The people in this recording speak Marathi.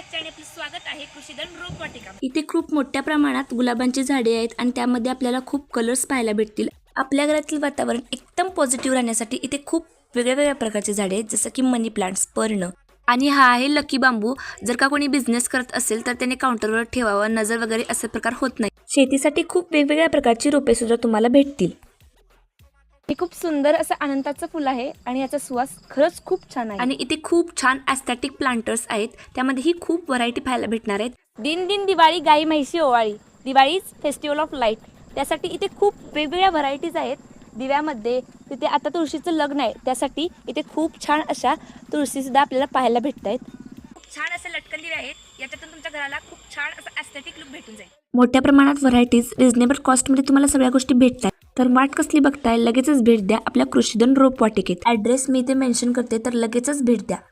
आजच्या आणि आपलं स्वागत आहे कृषीधन रोपवाटिका। इथे खूप मोठ्या प्रमाणात गुलाबांची झाडे आहेत आणि त्यामध्ये आपल्याला खूप कलर्स पाहायला भेटतील। आपल्या घरातील वातावरण एकदम पॉझिटिव्ह राहण्यासाठी इथे खूप वेगवेगळ्या प्रकारचे झाडे आहेत, जसं की मनी प्लांट्स, पर्ण आणि हा आहे लकी बांबू। जर का कोणी बिझनेस करत असेल तर त्याने काउंटरवर ठेवावं, नजर वगैरे असे प्रकार होत नाही। शेतीसाठी खूप वेगवेगळ्या प्रकारची रोपे सुद्धा तुम्हाला भेटतील। हे खूप सुंदर असं अनंताचं फुल आहे आणि याचा सुवास खरंच खूप छान आहे। आणि इथे खूप छान ॲस्थेटिक प्लांटर्स आहेत, त्यामध्येही खूप व्हरायटी पाहायला भेटणार आहेत। दिन दिन दिवाळी, गाई म्हैशी ओवाळी, दिवाळीज फेस्टिवल ऑफ लाईट। त्यासाठी इथे खूप वेगवेगळ्या व्हरायटीज आहेत दिव्यामध्ये। तिथे आता तुळशीचं लग्न आहे, त्यासाठी इथे खूप छान अशा तुळशीसुद्धा आपल्याला पाहायला भेटत आहेत। खूप छान असे लटकन दिवे आहेत, याच्यातून तुमच्या घराला खूप छान असं एस्थेटिक लुक भेटून जाईल। मोठ्या प्रमाणात व्हरायटीज रिझनेबल कॉस्टमध्ये तुम्हाला सगळ्या गोष्टी भेटतात। तर वाट कसली बघताय, लगेचच भेट द्या आपल्या कृषीधन रोपवाटिकेत। ॲड्रेस मी इथे मेन्शन करते, तर लगेचच भेट द्या।